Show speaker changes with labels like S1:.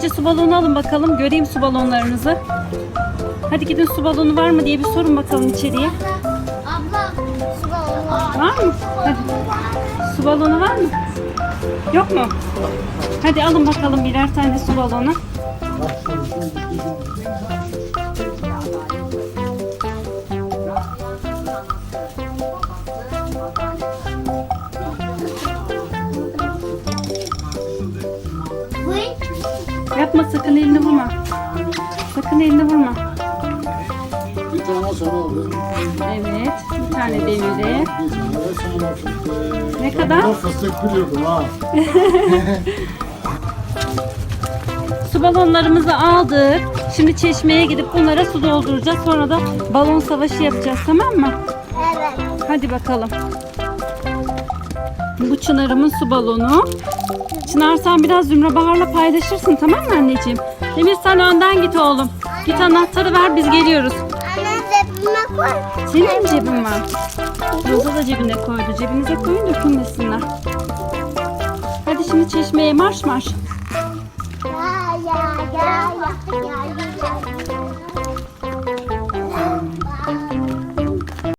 S1: Önce su balonu alın bakalım. Göreyim su balonlarınızı. Hadi gidin, su balonu var mı diye bir sorun bakalım içeriye.
S2: Abla su balonu var.
S1: Var mı? Hadi. Su balonu var mı? Yok mu? Hadi alın bakalım birer tane su balonu. Yapma, sakın elini vurma. Sakın elini vurma.
S3: Bir tane sana aldım.
S1: Evet, bir tane demiri.
S3: Bir tane de sana fıstık.
S1: Ne kadar?
S3: Ben fıstık biliyordum ha.
S1: Su balonlarımızı aldık. Şimdi çeşmeye gidip bunlara su dolduracağız. Sonra da balon savaşı yapacağız, tamam mı?
S2: Evet.
S1: Hadi bakalım. Bu Çınar'ımın su balonu. Çınar, sen biraz Zümra Bahar'la paylaşırsın, tamam mı anneciğim? Demir, sen önden git oğlum. Git, anahtarı ver, biz geliyoruz.
S2: Anne cebime koy.
S1: Senin mi cebin var? Roza da cebine koydu. Cebinize koyun, dökülmesinler. Hadi şimdi çeşmeye marş marş.